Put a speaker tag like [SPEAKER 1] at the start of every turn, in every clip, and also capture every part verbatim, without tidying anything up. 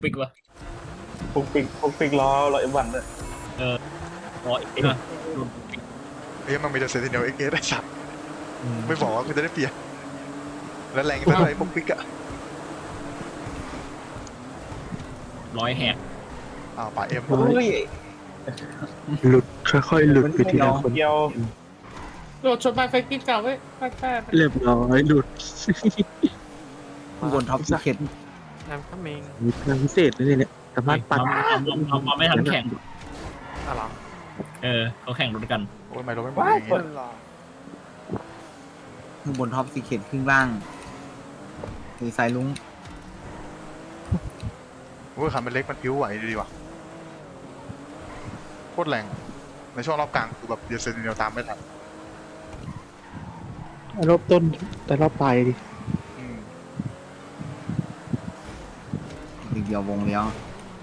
[SPEAKER 1] ปิกวะ
[SPEAKER 2] ปุกปิกปุกปิกล้อรอเอฟวันเลย
[SPEAKER 1] เออรอเอ็กซ์นะ
[SPEAKER 3] เฮ้ยมันมีแต่เซนติเนลเอ็กเอสได้สัตว์ไม่บอกว่ากูจะได้เปลี่ยนแล้วแรงเท่าไหร่พวกปิกอะ
[SPEAKER 1] ร้อยแฮก
[SPEAKER 3] อ้าวป่าเอ็ม
[SPEAKER 2] เฮ้ย
[SPEAKER 4] หลุดค่อยๆหลุดไปทีละคน
[SPEAKER 2] เกี่ยว
[SPEAKER 5] โดดชนไปไฟกินเก่าไว้แป๊บ
[SPEAKER 4] เรียบร้อยหลุด
[SPEAKER 6] ข้างบนท็อปซีเคท
[SPEAKER 5] ๆน้ำข้ามิง
[SPEAKER 4] มีพลังพิเศษเลยเนี่ยสามารถปัด
[SPEAKER 1] ทำทำทำมาไม่ทันแข่ง
[SPEAKER 5] อะไร
[SPEAKER 1] เออเขาแข่งรถกัน
[SPEAKER 3] โอ้ยไม่รู้ไม่บอกอย่างงี้
[SPEAKER 6] ข้างบนท็อปซีเคทครึ่งล่างสีสายลุง
[SPEAKER 3] โอ้ยคันเป็นเล็กมันพิ้วไหวดีว่ะโคตรแรงในช่วงรอบกลางคือแบบเดียวเซนติเนลตามไม่ทัน
[SPEAKER 4] รอบต้นแต่รอบปลายดิ
[SPEAKER 3] อืม
[SPEAKER 6] อีกเดียววงเลี้ยว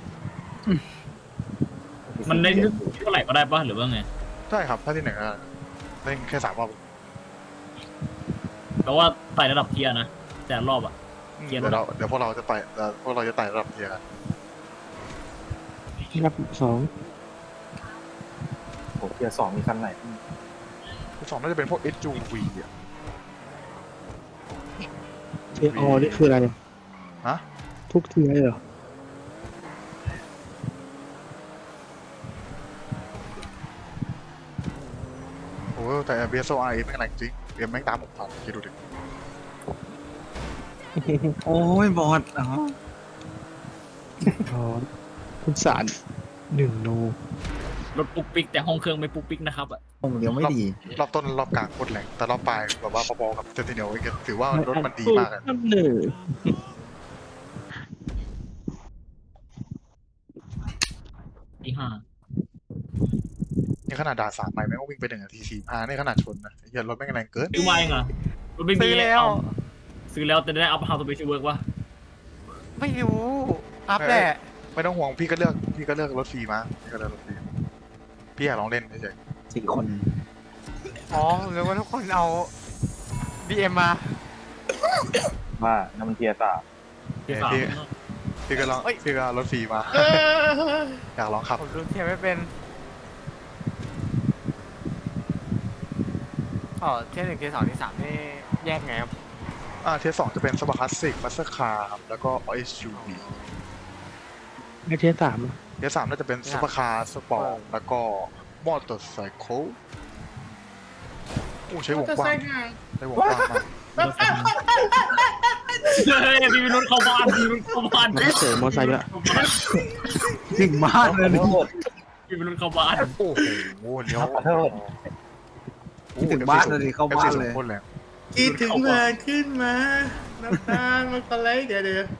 [SPEAKER 1] มันได้เท่าไหร่ก็ได้ป่ะหรือว่าไง
[SPEAKER 3] ใช่ครับถ้าที่ไหนก็เล่นแค่สามรอบ
[SPEAKER 1] แปลว่าไต่ระดับเทียร์นะแต่รอบอ่ะ เกียร์
[SPEAKER 3] เดี๋ยวเราเดี๋ยวพวกเราจะไปเดี๋ยวพวกเราจะไต่ระดับเทียร์กัน
[SPEAKER 4] รอบสอง
[SPEAKER 2] โอ้เกียร์สองมีคันไหน
[SPEAKER 3] สองน่าจะเป็นพวก เอส ยู วี อ่ะ
[SPEAKER 4] เทียอนี่คืออะไรเนี่ย
[SPEAKER 3] ฮะ
[SPEAKER 4] ทุกเทียเหรอ
[SPEAKER 3] โอ้แต่ บี เอส โอ อาร์ เอ แม่งแรงจริงเอ็มแม่งตามผมทันคิดดูดิ
[SPEAKER 6] โอ้ยบอดอ๋อ
[SPEAKER 4] อ๋อคุณสารหนึ่งโน
[SPEAKER 1] รถปุ๊กปิ๊กแต่ห้องเครื่องไม่ปุ๊กปิ๊กนะครับอ่ะ
[SPEAKER 6] วงเลี้ยวไม่ดี
[SPEAKER 3] รอบต้นรอบกลางโคตรแรงแต่รอบปลายแบบว่าพอๆกับเซนติเนลถือว่ารถมันดีมากอะ
[SPEAKER 4] น้ำหนึ่ง
[SPEAKER 1] ที่ห้า
[SPEAKER 3] นี่ขนาดด่าสามไปแม่งก็วิ่งไปหนึ่งนาทีสี่ห้านี่ขนาดชนนะไอ้เหี้ยรถแม่งแรงเกิน
[SPEAKER 1] ซื้อมาเองเหรอรถไม่มี
[SPEAKER 5] ซื้อแล้ว
[SPEAKER 1] เอาซื้อแล้วแต่ได้อัพฮาวตัวไปช่วยเวิร์กวะ
[SPEAKER 5] ไม่รู้อัพแหละ
[SPEAKER 3] ไม่ต้องห่วงพี่ก็เลือกพี่ก็เลือกรถฟรีมาพี่ก็เลือกรถฟรีพี่อยากลองเล่นเฉย
[SPEAKER 6] สี่คน
[SPEAKER 5] อ๋อหรือว่าทุกคนเอา บี เอ็ม มา
[SPEAKER 2] ว่าน้ำมันเกียร์สาม
[SPEAKER 1] ที่สาม
[SPEAKER 3] ๆพี่ก็ลอง
[SPEAKER 5] เอ้ย
[SPEAKER 3] พี่ก็เอารถฟรีมา
[SPEAKER 5] เออ
[SPEAKER 3] อยากลองขับ
[SPEAKER 5] ผมรู้เทียบไม่เป็นอ๋อเทียบหนึ่งเทียบสองเทียบสามนี่แยกไงครับ
[SPEAKER 3] อ่าเทียร์สองจะเป็นสปอร์ตคลาสสิกมัสเตอร์คาร์ครับแล้วก็ เอส ยู วี
[SPEAKER 4] ไม่เทียสามอะ
[SPEAKER 3] เทียร์สามน่าจะเป็นซุปเปอร์คาร์สปอร์ตแล้วก็มอเตอร์ไซค์โอ้ใช้วงกว้างใช้วงกว้างมาก
[SPEAKER 1] เฮ้ยพี่วิรุธเข้าบ้านพี่วิรุธเข้าบ้าน
[SPEAKER 4] เสริมมอไซค์ด้วย
[SPEAKER 6] ถึงมากเลย
[SPEAKER 2] ขอโทษ
[SPEAKER 1] พี่วิรุธเข้าบ้าน
[SPEAKER 3] โอ้โหเลี้ยว
[SPEAKER 2] ขอโทษ
[SPEAKER 6] คิดถึงบ้านเลยเข้าบ้านเลย
[SPEAKER 3] โคตรแรง
[SPEAKER 5] คิดถึงมาขึ้นมาน้ำตาลมันก็ไหลเดี๋ยวเดี๋ยว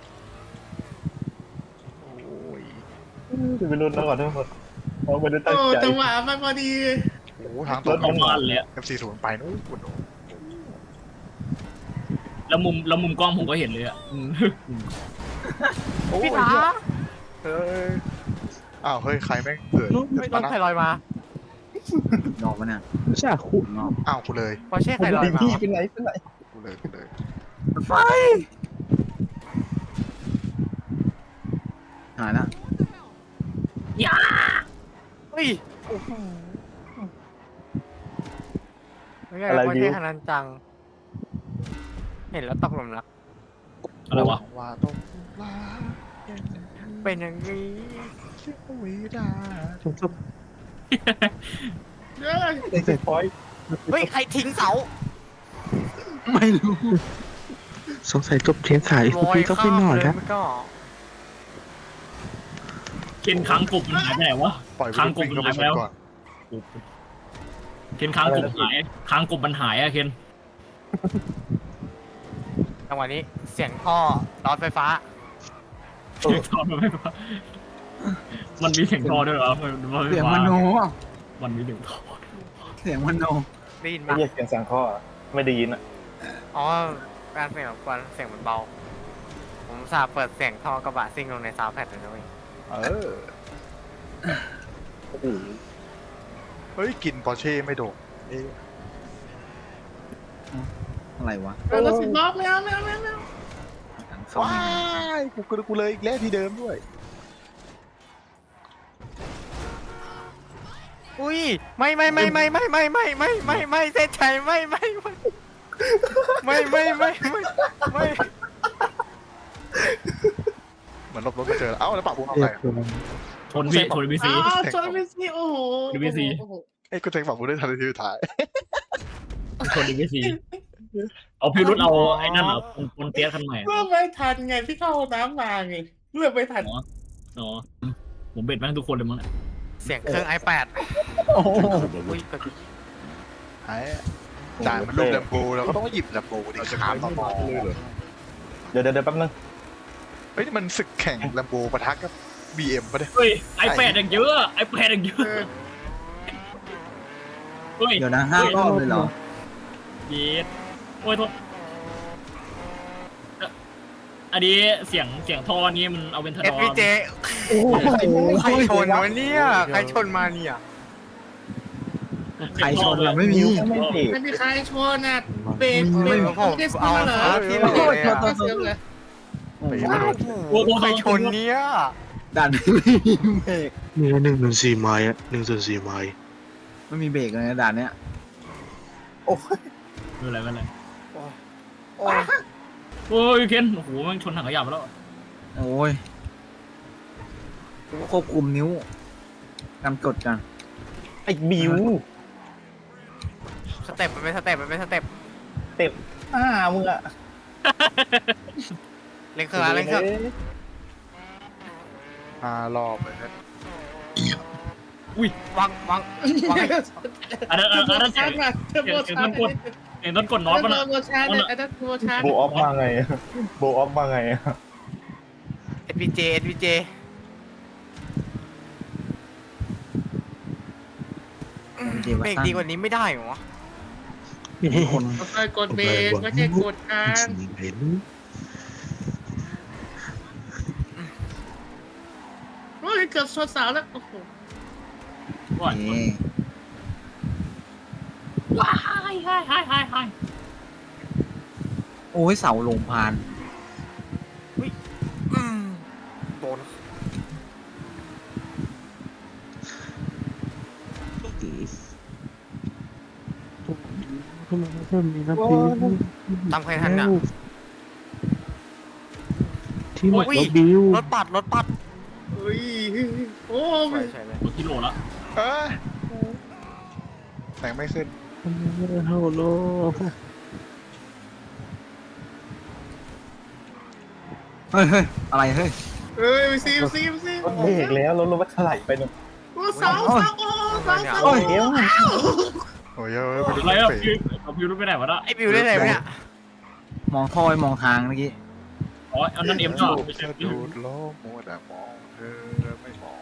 [SPEAKER 3] โอ้ย
[SPEAKER 2] จะไปรุ่นแล้วขอโทษเขาไม่ได้ตั้ง
[SPEAKER 5] โอ้
[SPEAKER 2] ใจ
[SPEAKER 5] จังหวะมันพอดี
[SPEAKER 3] โอ้โหทางตรง
[SPEAKER 1] เข้าบ้านเลยอะ
[SPEAKER 3] เอฟซีศูนย์ไปนู้นโอ้โห
[SPEAKER 1] แล้วมุมแล้วมุมกล้องผมก็เห็นเลยอ่ะอืม
[SPEAKER 5] พี่ถา
[SPEAKER 3] เฮ้ยอ้าวเฮ้ยใครแม่งเกิด
[SPEAKER 5] ไม่ต้องใครลอยมาน
[SPEAKER 6] อกมาเนี่ย
[SPEAKER 4] ใช่คู่
[SPEAKER 6] นอก
[SPEAKER 3] อ้าวกูเลย
[SPEAKER 5] พอเช่ใครลอยมา
[SPEAKER 2] พี่เป็นไรเป็นไร
[SPEAKER 3] กูเลยกูเลย
[SPEAKER 6] ไฟหายละ
[SPEAKER 1] อย่า
[SPEAKER 5] เฮ้ยโอ้โหไม่ใช่พอเช่ขนาดจัง เห็นแล้วตกหลุมรัก
[SPEAKER 1] อะไรวะ
[SPEAKER 3] ว่าต้องลา
[SPEAKER 5] เป็นอย่างนี้
[SPEAKER 3] ชีวิตอ่ะ
[SPEAKER 4] สมทบ
[SPEAKER 5] เฮ้ย
[SPEAKER 2] เซ็ตพอยต์
[SPEAKER 5] เฮ้ยใครทิ้งเสา
[SPEAKER 6] ไม่รู้
[SPEAKER 4] สงสัยจบเทียนขาย
[SPEAKER 5] ล
[SPEAKER 4] คุณ
[SPEAKER 5] อย
[SPEAKER 4] พี่ก็
[SPEAKER 5] ข้า
[SPEAKER 4] ไป
[SPEAKER 5] ม
[SPEAKER 4] นอน
[SPEAKER 5] เลย
[SPEAKER 4] แล้ว
[SPEAKER 5] มันก็
[SPEAKER 1] เคนค้างกบมันหายไปไหนวะ
[SPEAKER 3] ปล่อยไป
[SPEAKER 1] ค้างก
[SPEAKER 3] วิ่
[SPEAKER 1] บ
[SPEAKER 3] ง
[SPEAKER 1] มัน
[SPEAKER 3] เข้าไป
[SPEAKER 1] หาย
[SPEAKER 3] ช
[SPEAKER 1] ไปแล้ว
[SPEAKER 3] นก่อน
[SPEAKER 1] เคนค้างกบหายค้างกบมันหายอะเคน
[SPEAKER 5] จังหวะนี้เสียงท่อรถไฟฟ้า
[SPEAKER 1] เสียงทอมันไม่ปะมันมีเสียงทอด้วยเหรอมันมัน
[SPEAKER 6] เสียงมโน
[SPEAKER 1] มันมีเสียงทอ
[SPEAKER 6] เสียงมโน
[SPEAKER 5] ได้ยิน
[SPEAKER 2] ไม่
[SPEAKER 5] ปะ
[SPEAKER 2] เรียกเสียงสังข้อไม่ได้ยินอ่ะ
[SPEAKER 5] อ๋อการเสียงรบกวนเสียงมันเบา ผมสาบเปิดเสียงท่อกระบะซิ่งลงในซาวด์แพดเลยนะเว้ย
[SPEAKER 3] เออ
[SPEAKER 2] โอ้โห
[SPEAKER 3] เฮ้ยกลินปอร์เช่ไม่โดดเอ๊ะ
[SPEAKER 6] อะไรวะ
[SPEAKER 5] เออรถสิบล้อไม่เอาไม่เอาไม่เอาไม่เอา
[SPEAKER 6] หลังเข้า
[SPEAKER 3] ว้า
[SPEAKER 6] ไม่
[SPEAKER 3] ยกูกูกูเลยอีกแล้วที่เดิมด้วย
[SPEAKER 5] อุ้ยไม่ไม่ไม่ไม่ไม่ไม่ไม่ไม่ไม่ไม่เส้นชัยไม่ไม่ไม่ไม่ไม่ไม่ไม่ไม่
[SPEAKER 3] เหมือนหลบรถมาเจอแล้วเอ้าแล้วปากบุ้งทำ
[SPEAKER 4] เรี
[SPEAKER 3] ไง
[SPEAKER 4] ยบร้อย
[SPEAKER 1] ชนพี่ชนบีซี
[SPEAKER 7] อ้าวชนไปสิโอ้โห
[SPEAKER 1] ดูพี่สิ
[SPEAKER 7] โอ้โห
[SPEAKER 3] ไอ้กูเซ็งปากบุ้งได้ทันทีสุดท้าย
[SPEAKER 1] ชนบีซีเอาพี่รุ่นเอาไอ้นั่นเหรอปนปนเตี้ยคันใหม่
[SPEAKER 7] เลือกไม่ทันไงพี่เข้าห้องน้ำมาไงเลือกไม่ทัน
[SPEAKER 1] อ๋อผมเบ็ดแม่งทุกคนเลยมั้งเนี่ย
[SPEAKER 5] เสียงเครื่อง ไอแปด
[SPEAKER 6] โอ้โห
[SPEAKER 5] อุ้ยกด
[SPEAKER 3] ไอ้ด่านมันลูกแลมโบเราก็ต้องหยิบแลมโบดิขามต่อ
[SPEAKER 2] เดี๋ยวเดี๋ยวเดี๋ยวแป๊บนึง
[SPEAKER 3] เฮ้ยนี่มันศึกแข่งแลมโบปะทะกับบีเอ็มปะเนี่ย
[SPEAKER 1] เฮ้ยไอแปดอย่างเยอะไอแปดอย่างเยอะเฮ้ย
[SPEAKER 6] เดี๋ยวนะห้ารอบเลยเหรอ
[SPEAKER 1] เย็ดโอ้ยโทษอันนี้เสียงเสียงท่อนี้มันเอาเป็นท
[SPEAKER 5] เอ
[SPEAKER 1] ด
[SPEAKER 5] ฟ
[SPEAKER 1] อ
[SPEAKER 5] พีเจ
[SPEAKER 6] โอ้โห
[SPEAKER 5] ใครชนวะเนี่ยใครชนมาเนี่ย
[SPEAKER 6] ใครชนเราไม่มี
[SPEAKER 2] ไม่เบรก
[SPEAKER 7] ไม่มีใครชนอ่ะเบรก
[SPEAKER 6] ไม่
[SPEAKER 7] เบร
[SPEAKER 6] มี
[SPEAKER 7] ก
[SPEAKER 5] ผม
[SPEAKER 7] ไม่ได้ซื้
[SPEAKER 5] เอา
[SPEAKER 7] อเหรอ
[SPEAKER 5] เอาที่เลย
[SPEAKER 6] โอ้ย
[SPEAKER 5] อะ
[SPEAKER 6] โทษโทษ
[SPEAKER 7] ไม่ซื้อเลย
[SPEAKER 6] โอ้โห
[SPEAKER 5] โอ้โหใครชนเนี่ย
[SPEAKER 6] ด่านไม่มีเบรก
[SPEAKER 4] มีแค่หนึ่งหนึ่งสี่ไม้อะหนึ่งส่วนสี่ไม้
[SPEAKER 6] ไม่มีเบรกเลยนะด่านเนี้ยโอ้ย
[SPEAKER 1] ไม่เป็นไรไม่เป็นไร
[SPEAKER 5] โอ้ย
[SPEAKER 1] โอ้ยเคนโอ้โหมันชนถังขยะไปแล้ว
[SPEAKER 6] โอ้ยควบคุมนิ้วกำกดกัน
[SPEAKER 2] ไอ้บิว
[SPEAKER 5] สเต็ปมันเป็นสเต็ปมันเป็นสเต็ป
[SPEAKER 2] เต็มอ้ามึงอะ
[SPEAKER 5] เล่นเครื่องละเล่นเครื่อง
[SPEAKER 3] ห้ารอบเลยนะ
[SPEAKER 5] วางวางวางให้
[SPEAKER 1] อันนั้นอันนั้นอันนั้นเสีย
[SPEAKER 7] ชาง ร์จมาเทอร์โบชาร์จ
[SPEAKER 1] เสียงต้นกดน็อต
[SPEAKER 7] เท
[SPEAKER 1] ป่ะ
[SPEAKER 7] อ
[SPEAKER 1] นะ
[SPEAKER 7] ร์โบชาร์จเนี่ยไอ้นั่นเทอร์โบชาร์จ
[SPEAKER 2] โบออฟมาไงโบออฟมาไง
[SPEAKER 5] เอฟพีเจเอฟพีเจ
[SPEAKER 6] เดี๋ยว
[SPEAKER 5] เบรก
[SPEAKER 6] ตั้ง
[SPEAKER 5] ดีกว่านี้ไม่ได้เหรอ
[SPEAKER 6] คน
[SPEAKER 7] ค่อยๆกดเบรกไม่ใช่กดค้าง
[SPEAKER 4] เห็น
[SPEAKER 7] โอ้ยเกือบชนเสาแล้วโอ้โห
[SPEAKER 1] ว่า
[SPEAKER 6] นี่
[SPEAKER 1] ว้ายหายหายหายหาย
[SPEAKER 6] โอ้ยเสาลงพาน
[SPEAKER 5] อืมโดน
[SPEAKER 4] ทำไมเพิ่มมีน้ำพริก
[SPEAKER 5] ตามใครทันอ่ะ
[SPEAKER 4] ที่หมด
[SPEAKER 5] โอ้ย
[SPEAKER 4] แล้วบิว
[SPEAKER 5] รถปัดรถปัด
[SPEAKER 7] เฮ้ยโอ้
[SPEAKER 5] ใช่
[SPEAKER 7] ย
[SPEAKER 5] ใช่เลย
[SPEAKER 1] รถกิโลละ
[SPEAKER 3] เอ้ยแต่งไม่ขึ้น
[SPEAKER 4] ทำไมไม่ได้เท่าโลก
[SPEAKER 6] เฮ้ยเฮ้ยอะไรเฮ้ย
[SPEAKER 7] เฮ้ยไปซิมซิมซิ
[SPEAKER 2] รถเบรกแล้วรถรถมันถลายไปหนึ่ง
[SPEAKER 7] โอ้เสาเสาโอ้เสาเสา
[SPEAKER 2] โอ้ยเดี๋ยว
[SPEAKER 3] โอ้ยเอ้ยไปดู
[SPEAKER 1] อะไร
[SPEAKER 3] เฟ
[SPEAKER 1] อ่ะ
[SPEAKER 3] ซ
[SPEAKER 1] พี่เอาพี่รุ่นไปไหนวะน่ะ
[SPEAKER 5] ไอบิวได้ไหนวะเนี่ย
[SPEAKER 6] มองท่อไปมองทางเมื่อกี้
[SPEAKER 1] อ๋ออันนั้นเอ็มก็ไม่ใช่
[SPEAKER 3] ดูดโลกมัวแต่มองเธอไม่มอง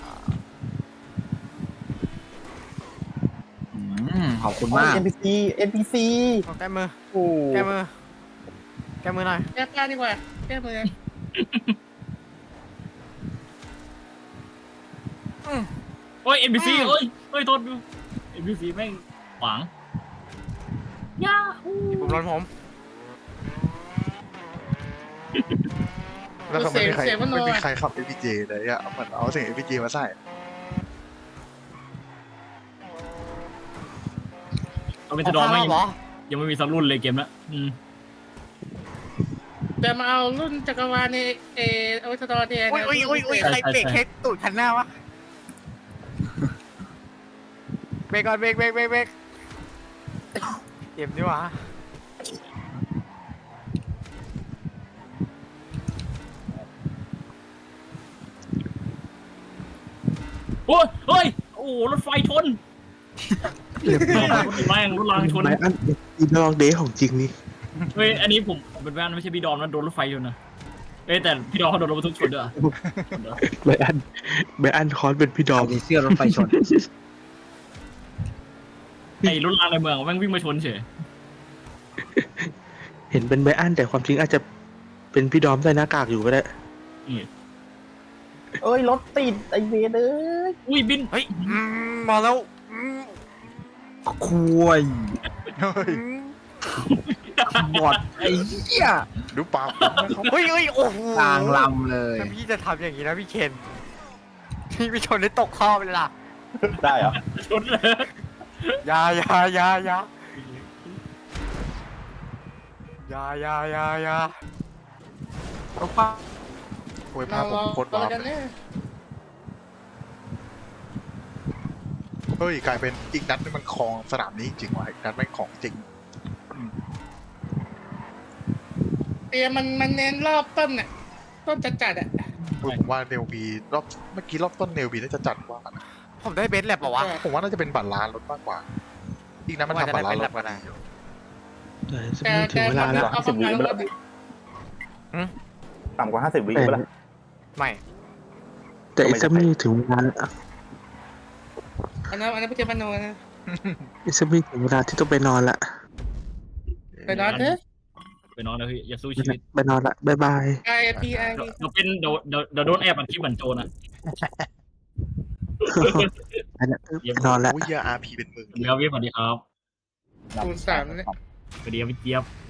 [SPEAKER 6] อืมขอบคุณมาก
[SPEAKER 2] เอ็นพีซีเอ็นพีซี
[SPEAKER 5] เอาแก้มือ
[SPEAKER 2] โอ้
[SPEAKER 5] แก้มือแก้มือหน่อย
[SPEAKER 7] แก้ผ้าดีกว่าแก้มือ
[SPEAKER 1] โอ้ยเอ็นบีซีเอ้ยเอ้ยโทษดูเอ็นบีซีแม่งขวางยาฮู
[SPEAKER 5] ผมร้อนผม
[SPEAKER 3] แล้วเขาไม่มีใครไม่มีใครขับ เอ พี เจ เลยอ่ะเหมือนเอาเสียง เอ พี เจ มาใส่
[SPEAKER 1] เอาเป็นทดอมไม่
[SPEAKER 5] เอาเหรอ
[SPEAKER 1] ยังไม่มีสักรุ่นเลยเกมละอืม
[SPEAKER 7] จะมาเอารุ่นจักรวาลในเอเอาไว้ทดอเนี่ย
[SPEAKER 5] อุ้ยอุ้ยอุ้ยอุ้ยใครเบรกเช็ดตูดคันหน้าวะเบรกก่อนเบรกเบรกเบรกเบรกเก็บดีกว่า
[SPEAKER 1] โอ้ยเฮ้ยโอ้รถไฟชน
[SPEAKER 4] เรียบร้อย
[SPEAKER 1] รถแม่งรถรางชน
[SPEAKER 4] ไม้อันอีดองเดย์ของจริงนี่
[SPEAKER 1] เฮ้ยอันนี้ผมผมเป็นแฟนไม่ใช่พี่ดอมนะโดนรถไฟชนนะเอ้ยแต่พี่ดอมเขาโดนรถบรรทุกชนด้วยอะ
[SPEAKER 4] ไบอันไบอันคอนเป็นพี่ดอ
[SPEAKER 6] เอา
[SPEAKER 4] ม
[SPEAKER 6] ดีเสื้อรถไฟชน
[SPEAKER 1] ไอ้รถรางในเมืองแม่งวิ่งมาชนเฉย
[SPEAKER 4] เห็นเป็นไบอันแต่ความจริงอาจจะเป็นพี่ดอมใส่หน้ากากอยู่ก็ได้
[SPEAKER 2] เอ้ยรถติดไอเวรเอ้ย
[SPEAKER 1] อุ้ยบิน
[SPEAKER 5] เฮ้ยอืมมาแล้วอืม
[SPEAKER 6] คุย
[SPEAKER 3] เฮ้ย
[SPEAKER 5] อืม
[SPEAKER 6] บอดไอ้เหี้ย
[SPEAKER 3] ดูปากผมนะครับ
[SPEAKER 5] เฮ้ยเฮ้ยโอ้โห
[SPEAKER 6] กลางลำเลย
[SPEAKER 5] ถ้าพี่จะทำอย่างนี้นะพี่เคนพี่ไปชนได้ตกข้อไปเลยล่ะ
[SPEAKER 2] ได้เหรอ
[SPEAKER 1] ชนเลย
[SPEAKER 5] อยาอยาอยาอยาอยาอยาอยาอยา
[SPEAKER 6] เอาป้า
[SPEAKER 3] โอ้ย
[SPEAKER 7] เรา
[SPEAKER 3] ภาพผม
[SPEAKER 7] เรา
[SPEAKER 3] โคตร
[SPEAKER 7] เรา
[SPEAKER 3] ว้าว
[SPEAKER 7] กัน
[SPEAKER 3] เลย
[SPEAKER 7] เนี่ย
[SPEAKER 3] เฮ้ยกลายเป็นอีกนัดนี่มันคลองสนามนี้จริงว่ะอีกนัดแม่งของจริง
[SPEAKER 7] เตียมันมันเน้นรอบต้นน่ะต้นจัดจัดๆอ่ะ
[SPEAKER 3] ผมว่าเนลบีรอบเมื่อกี้รอบต้นเนลบีน่าจะจัดกว่านะ
[SPEAKER 5] ผมได้เบสแลบเปล่าวะ
[SPEAKER 3] ผมว่าน่าจะเป็นบัตรล้านรถมากกว่า อีกนั้นมันทำบัตรล้านรถมาดีอยู่
[SPEAKER 4] เดี๋ยวจะ
[SPEAKER 7] แต่
[SPEAKER 4] ไม่ถึง
[SPEAKER 7] แต่
[SPEAKER 4] เวลาแล้ว
[SPEAKER 7] เอาประมาณว่า
[SPEAKER 2] ต่ำกว่าห้าสิบวิ
[SPEAKER 4] แต่
[SPEAKER 2] ไปละ
[SPEAKER 5] ไม่
[SPEAKER 4] แต่อีกสักไม่ถึงเวลาแล้ว
[SPEAKER 7] อันนั้นอันนั้นไม่ใช่มโนนะ
[SPEAKER 4] อีกสักไม่ถึงเวลาที่ต้องไปนอนละ
[SPEAKER 7] ไปนอนเถอะ
[SPEAKER 1] ไปนอนนะพี่อย่าสู้ชีวิต
[SPEAKER 4] ไปนอนละบ๊ายบาย
[SPEAKER 7] ไอพีไอ
[SPEAKER 1] เดี๋ยวเดี๋ยวเป็นเดี๋ยวเดี๋ยวเดี๋ยวโดนแอบมันคลิปเหมือนโจรนะ
[SPEAKER 4] ไปละไปนอนละ
[SPEAKER 3] โอ้ยอาร์พีเป็นหมื่น
[SPEAKER 1] เดี๋ยวพี่สวัสดีครับ
[SPEAKER 7] คูณสามเนี่ย
[SPEAKER 1] สวัสดีครับพี่เจี๊ยบ